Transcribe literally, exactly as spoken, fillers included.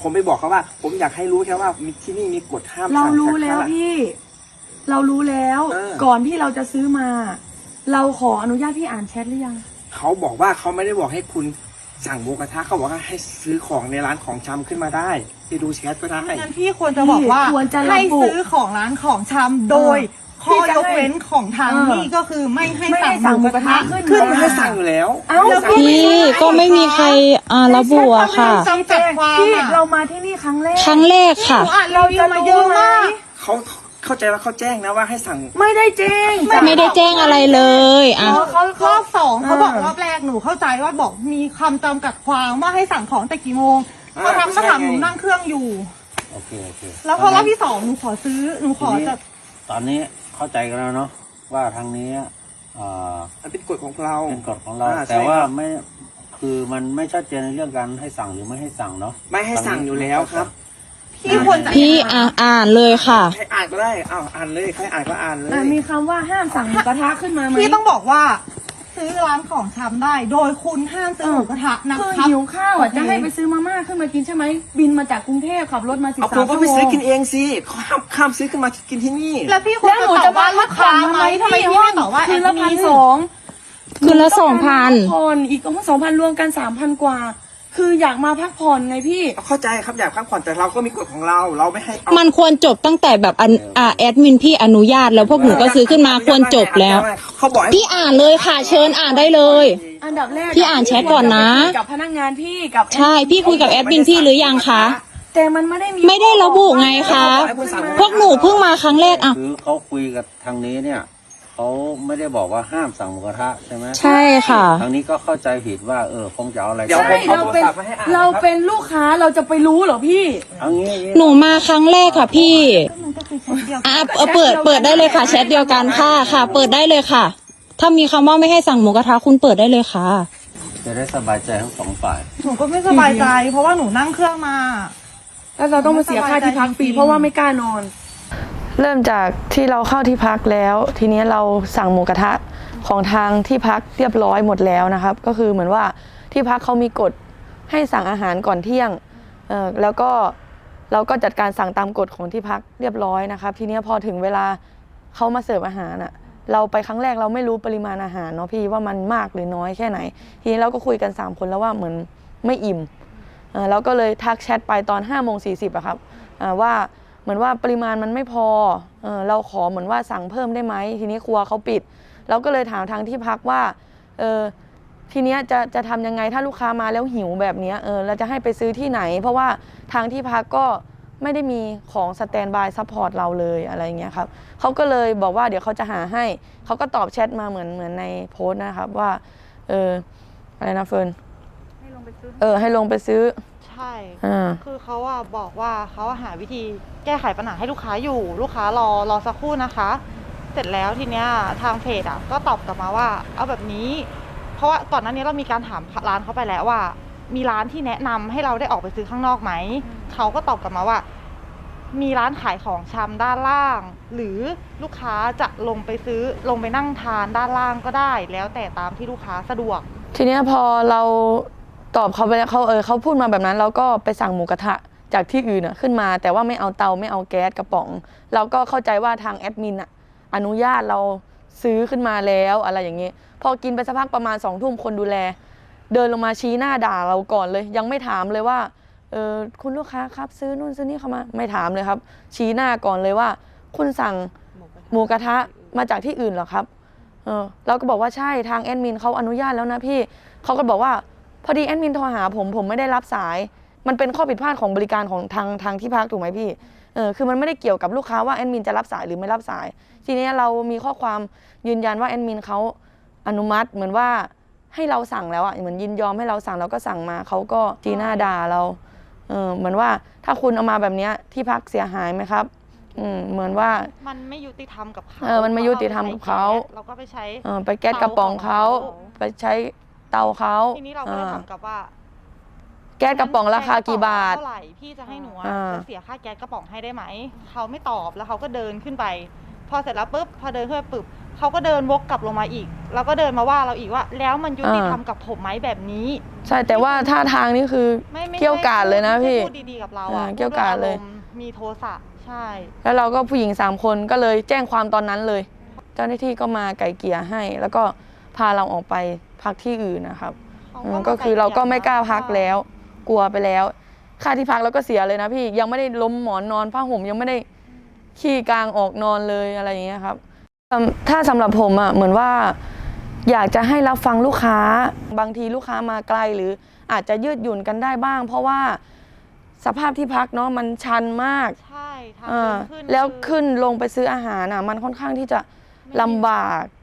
ผมไปบอกเขาว่า ผมอยากให้รู้แค่ว่ามีที่นี่มีกฎห้ามเราสั่งรู้แล้วพี่ เรารู้แล้วเออก่อนที่เราจะซื้อมา เราขออนุญาตพี่อ่านแชทหรือยังเขาบอกว่าเขาไม่ได้บอกให้คุณสั่งหมูกระทะเขาบอกว่าให้ซื้อของในร้านของชำขึ้นมาได้ไปดูแชทก็ได้งั้นพี่ควรจะบอกว่าควรจะระบุให้ซื้อของร้านของชำโดยข้อยกเว้นของทางเออนี่ก็คือไม่ให้ไม่ให้สั่งหมูกระทะสั่งหมูกระทะขึ้ขึ้นนเขาไม่ให้สั่งอยู่แล้วเอ้าแล้วพี่ก็ไม่มีใครอ่าระบุอะค่ะจำกัดความพี่อะเรามาที่นี่ครั้งแรกครั้งแรกค่ะหนูอ่านรีวิวมาเยอะมากเขาเข้าใจว่าเขาแจ้งนะว่าให้สั่งไม่ได้แจ้งไม่ได้แจ้งอะไรเลยอ่ะเขารอบสองเขาบอกเออรอบแรกหนูเข้าใจว่าบอกมีคำจำกัดความว่าให้สั่งของแต่กี่โมงอ่าเขาทำใช่ก็ถามไงหนูนั่งเครื่องอยู่โอเคโอเคแล้วพอรอบที่สองหนูขอซื้อหนูขอจะตอนนี้เข้าใจกันแล้วเนาะว่าทางนี้เอ่อมันเป็นกฎของเราเป็นกฎของเราอ่าแต่ใช่ว่าครับไม่คือมันไม่ชัดเจนในเรื่องการให้สั่งหรือไม่ให้สั่งเนาะไม่ให้สั่งอยู่แล้วครับพี่ควรจะพี่อ่าอ่านเลยค่ะใครอ่านก็ได้อ้าวอ่านเลยใครอ่านก็อ่านเลยอ่ะมีคำว่าห้ามสั่งหมูกระทะขึ้นมาไหมพี่ต้องบอกว่า ซื้อร้านของชำได้ โดยคุณห้ามซื้อหมูกระทะนะคือครับหิวข้าวอ่ะโอเคจะให้ไปซื้อมาม่าขึ้นมากินใช่ไหมบินมาจากกรุงเทพขับรถมาสิบเอาสาผม มก็ชั่วไปโมซื้อง กินเองสิเขาห้ามข้ามซื้อขึ้นมากินที่นี่แล้วพี่ควรแล้วหนูจะจะตอบว่าลูกค้าไหมทำไมพี่ไม่ตอบว่าคืนละแอดมิพันนสองคืนละสองพันผ่อนอีกก็สองพันรวมกันสามพันกว่า คืออยากมาพักผ่อนไงพี่เข้าใจครับอยากพักผ่อนแต่เราก็มีกฎของเราเราไม่ให้เอามันควรจบตั้งแต่แบบอันอ่าแอดมินพี่อนุญาตแล้วพวกหนูก็ซื้อขึ้นมาควรจบแล้วเขาบอกให้พี่อ่านเลยค่ะ เชิญอ่านได้เลยอันดับแรกพี่อ่านแชทก่อนนะกับพนักงานพี่กับใช่พี่คุยกับแอดมินพี่หรือยังคะแต่มันไม่ได้มีไม่ได้ระบุไงคะ พวกหนูเพิ่งมาครั้งแรกอ่ะคือเขาคุยกับทางนี้เนี่ยเขาไม่ได้บอกว่าห้ามสั่งหมูกระทะใช่ไหมใช่ค่ะทางนี้ก็เข้าใจผิดว่าเออคงจะเอาอะไรเดี๋ยวใช่ผมเราเป็นเราเป็นลูกค้าเราจะไปรู้เหรอพี่เอางี้หนูมาครั้งแรกค่ะพี่มันก็คือแชทเดียวอ่ะเออเปิดเปิดได้เลยค่ะแชทเดียวกันค่ะค่ะ เปิดได้เลยค่ะ ถ้ามีคำว่าไม่ให้สั่งหมูกระทะคุณเปิดได้เลยค่ะจะได้สบายใจทั้งสองฝ่ายหนูก็ไม่สบายใจ เพราะว่าหนูนั่งเครื่องมาแล้วเราต้องมาเสียค่าที่พักฟรีเพราะว่าไม่กล้านอนเริ่มจากที่เราเข้าที่พักแล้ว ทีนี้เราสั่งหมูกระทะของทางที่พักเรียบร้อยหมดแล้วนะครับ ก็คือเหมือนว่าที่พักเขามีกฎให้สั่งอาหารก่อนเที่ยงเอ่อแล้วก็เราก็จัดการสั่งตามกฎของที่พักเรียบร้อยนะครับ ทีนี้พอถึงเวลาเขามาเสิร์ฟอาหารอ่ะเราไปครั้งแรกเราไม่รู้ปริมาณอาหารเนาะพี่ว่ามันมากหรือน้อยแค่ไหน ทีนี้เราก็คุยกันสามคนแล้วว่าเหมือนไม่อิ่มเอ่อเราก็เลยทักแชทไปตอนห้าโมงสี่สิบอะครับอ่าว่าเหมือนว่าปริมาณมันไม่พอเออเราขอเหมือนว่าสั่งเพิ่มได้ไหมทีนี้ครัวเขาปิดเราก็เลยถามทางที่พักว่าเออทีเนี้ยจะจะทำยังไงถ้าลูกค้ามาแล้วหิวแบบเนี้ยเออเราจะให้ไปซื้อที่ไหน เพราะว่าทางที่พักก็ไม่ได้มีของสแตนบายซัพพอร์ตเราเลยอะไรเงี้ยครับเขาก็เลยบอกว่าเดี๋ยวเขาจะหาให้เขาก็ตอบแชทมาเหมือนเหมือนในโพสต์นะครับว่าเอออะไรนะเฟิร์นให้ลงไปซื้อเออให้ลงไปซื้อใช่อ่าคือเขาอะบอกว่าเขาหาวิธีแก้ไขปัญหาให้ลูกค้าอยู่ ลูกค้ารอรอสักครู่นะคะ เสร็จแล้วทีเนี้ยทางเพจอะก็ตอบกลับมาว่าเอาแบบนี้ เพราะว่าก่อนหน้านี้เรามีการถามร้านเขาไปแล้วว่า มีร้านที่แนะนำให้เราได้ออกไปซื้อข้างนอกไหม เขาก็ตอบกลับมาว่า มีร้านขายของชำด้านล่าง หรือลูกค้าจะลงไปซื้อลงไปนั่งทานด้านล่างก็ได้ แล้วแต่ตามที่ลูกค้าสะดวกทีเนี้ยพอเราตอบเขาไปแล้วเขาเออเขาพูดมาแบบนั้นเราก็ไปสั่งหมูกระทะจากที่อื่นอะขึ้นมาแต่ว่าไม่เอาเตาไม่เอาแก๊สกระป๋อง เราก็เข้าใจว่าทางแอดมินอะอนุญาตเราซื้อขึ้นมาแล้วอะไรอย่างเงี้ยพอกินไปสักพักประมาณสองทุ่มคนดูแล เดินลงมาชี้หน้าด่าเราก่อนเลย ยังไม่ถามเลยว่าเออคุณลูกค้าครับซื้อนู่นซื้อนี่เข้ามาไม่ถามเลยครับ ชี้หน้าก่อนเลยว่า คุณสั่งหมูกระทะมาจากที่อื่นเหรอครับเออเราก็บอกว่าใช่ทางแอดมินเขาอนุญาตแล้วนะพี่เขาก็บอกว่าพอดีแอดมินโทรหาผมผมไม่ได้รับสายมันเป็นข้อผิดพลาดของบริการของทางทางที่พักถูกไหมพี่เออคือมันไม่ได้เกี่ยวกับลูกค้าว่าแอดมินจะรับสายหรือไม่รับสาย ทีนี้เรามีข้อความยืนยันว่าแอดมินเขาอนุมัติเหมือนว่าให้เราสั่งแล้วอ่ะเหมือนยินยอมให้เราสั่งเราก็สั่งมาเขาก็จีหน้าด่าเราเออเหมือนว่าถ้าคุณเอามาแบบนี้ที่พักเสียหายไหมครับอืมเหมือนว่ามันไม่ยุติธรรมกับเขาเออมันไม่ยุติธรรมกับเขาเราก็ไปใช้เออไปแก๊สกระป๋องเขาไปใช้เตาเขาทีนี้เราก็เลยถามกลับว่าแก๊สกระป๋องราคากี่บาทเท่าไหร่พี่จะให้หนูอะอ่าจะเสียค่าแก๊สกระป๋องให้ได้ไหมเขาไม่ตอบแล้วเขาก็เดินขึ้นไป พอเสร็จแล้วปุ๊บพอเดินขึ้นไปปุ๊บเขาก็เดินวกกลับลงมาอีก แล้วก็เดินมาว่าเราอีกว่า แล้วมันยุติธรรมกับผมไหมแบบนี้ใช่แต่ว่าท่าทางนี่คือไม่ไม่เกี่ยวกาดเลยนะไม่พี่พูดดีๆกับเราอ่าอะเกี่ยวกาดเลยพูด้วอารมณ์มีโทสะใช่แล้วเราก็ผู้หญิงสามคนก็เลยแจ้งความตอนนั้นเลย เจ้าหน้าที่ก็มาไก่เกลี่ยให้ แล้วก็พาเราออกไปพักที่อื่นนะครับเขาอืก็มมาก็คือเราก็ไม่กล้าพักไกลเกลี่ยแล้ว กลัวไปแล้ว ค่าที่พักเราก็เสียเลยนะพี่ยังไม่ได้ล้มหมอนนอนผ้าห่มยังไม่ได้ขี้กลางออกนอนเลยอะไรอย่างเงี้ยครับสำถ้าสำหรับผมอ่ะเหมือนว่า อยากจะให้รับฟังลูกค้าบางทีลูกค้ามาไกลหรืออาจจะยืดหยุ่นกันได้บ้าง เพราะว่าสภาพที่พักเนาะมันชันมากใช่ทางอ่าเดินขึ้นแล้วคือขึ้นลงไปซื้ออาหารอ่ะมันค่อนข้างที่จะลำบาก